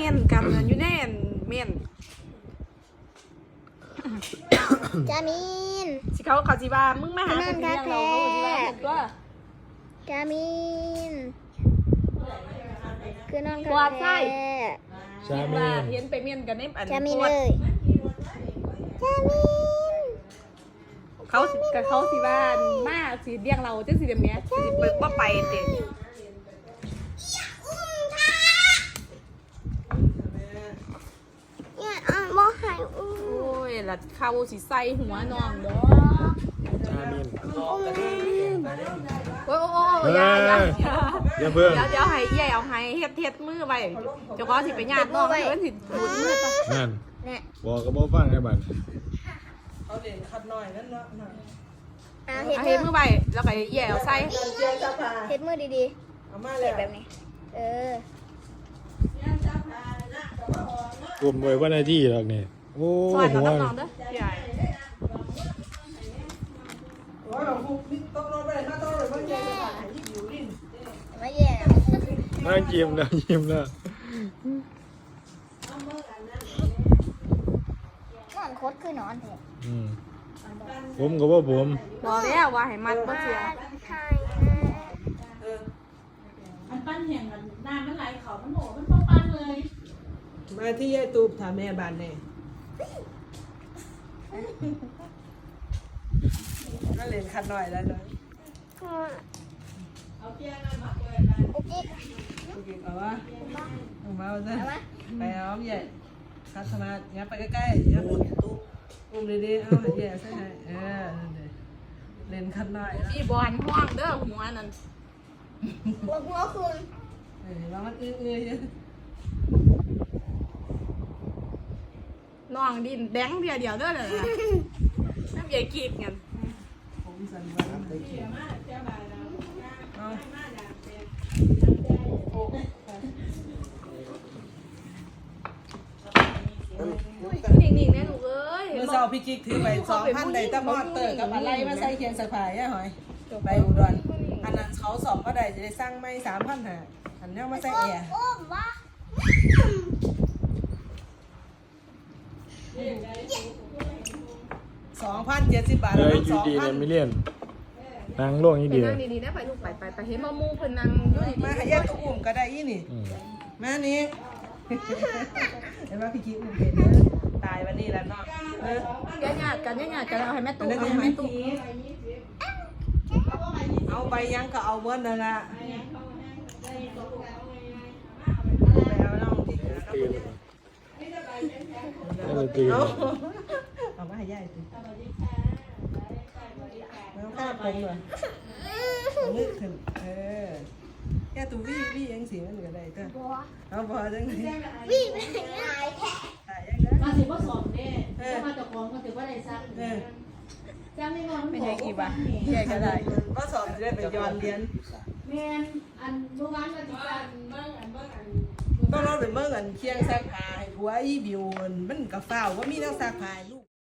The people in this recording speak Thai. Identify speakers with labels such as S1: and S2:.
S1: มียนกันอยู่แน่นเมียน
S2: จามิน
S1: สิเขาสิว่ามึงมาหาคนเลี้ยงเราเขาสิว่าตัว
S2: จามินคือนอนกันแท้
S3: ชามิน
S1: เห็นไปเมียนกันในอัน
S2: จามินเลยจามิน
S1: เขาสิว่ามาสิเลี้ยงเราจังสิเดี๋ยวนี้สิเปิดว่าไปเด็
S2: บ่หาย
S1: โ
S2: อุ้
S1: อ้ยละเขาสิใส่หัวน้องเด้อ
S3: ชามิน
S1: โอ้อย่า
S3: เพิ่ง
S1: เดี๋ยวให้ใหญ่เอาให้เฮ็ดมือไว้เจ้าก็สิไปญาติน้องเพิ่นสิบูดมือต่อ
S3: นั่น
S2: เนี่ย
S3: บอกก็บ่ฟังให้บัด
S4: เอาเหรียญขัดหน่อยนั่นเนาะ
S1: เฮ็ดมือไว้แล้วก็ใหญ่เอาใส่
S2: เฮ็ดมือดี
S4: เอามา
S2: ๆ
S4: เล
S2: เฮ็
S4: ย
S2: ดแบบนี้
S3: กลุ่มไว้ว่าหน้าที่หรอกนี่โอ้
S1: สอน
S3: หัว
S1: น้องๆเด้อใหญ่
S4: โอ้ยเราคุกนี่ต้องรอไปเลยถ้าต้องรอไปเจอกันหายยิ่งอยู่ลิ้น
S2: มาแย่
S3: นั่งยิ้มแล้วยิ้มแล้ว
S2: นอนโคตรคือนอนแท้
S3: ผมก็บ่ผม
S1: บอกแล้วว่าให้มัดบ่เสีย
S5: มันปั้นแห่งมันน้ำมันไหลเขามันโหมันพอปั้นเลย
S4: มาที่ยายตูบถามแม่บ้านเนี่ยก็เหรียญขัดหน่อยแล้วเนาะ
S5: เอาเพียงนั้นมาเปิด
S2: โอเค
S4: โอเคเอาวะเอามาซะไปเอาใหญ่คัดสมาร์ทยับไปใกล้ๆยับอุ้มดีๆเอาใหญ่ใช่ไหมเหรียญขัดหน่อยแล้ว
S1: พี่บอลห้องเด้อหัวนั่น
S2: หัวคืน
S4: แล้วมันอื้อๆอยู่
S1: น้องดินแดงเดียวเด้อน่ะน้ำใหญ่กีดกัน
S4: ผมสั่นบ้างเอา
S1: นิ่งๆแน่ลูกเอ้ย
S4: เมื่อเช้าพี่กิ๊กถือไป2,000ได้ตะมอดเตอร์กับอะไรมาใส่เคียงสะพายอ่ะหอยไปอุดรอันนั้นเขาสอบก็ได้จะได้สร้างไม่3,000หาอันนี้มาใส่แอร์
S2: โอ้วะ
S4: 2,070 บาท
S3: เล
S4: แล้ว
S3: ย
S4: มัน
S3: อยู่ดีเลยไม่
S4: 2,000
S3: เลี่ยนนั่งลงนี่
S1: ไป
S3: เดียว
S1: นั่งดีๆนะไปลูกไปเห็นมามูเพิ่นนั่งอยู่ดี
S4: มาให้แยกตัวอุ่มก็ได้อีนี่ มานี่ เห็นว่าพี่กิ๊กอุ่มเป็นตายวันนี้แล้วเนาะ
S1: ๆญาติกันเอาให้แม่ตุ๊กเอาให้แม่ตุ๊ก
S4: เอาไปยังก็เอาเบิ้ลนั่นละไปเอาน้องที่เหลือครับ
S3: ตื่น
S4: เอามาให้ยายสิแล้วข้าผมเลยนึกขึ้นแค่ตัววี่ยังเสียมันก็ได้ก็เอาพอจังเลย
S2: วิ่งไปไหนแท้
S4: ตายยังได้
S5: มาถือว่าสอนเนี่ยถ้ามาจากของก็ถือว่าได้ซักจ้างไม่นอน
S1: ไม่ใช่กี่บาทใหญ่ก็ได้
S4: ก็สอบจะได้ไปย้อนเรียน
S5: แมนอันเมื่อวานก็ติดกันเบิ้งอัน
S4: ต้องรอเป็นเมื่อกันเคียงซักผ้าให้ผัวอีบิวมันกับฝ้าวว่ามีนักซักผ้าลูก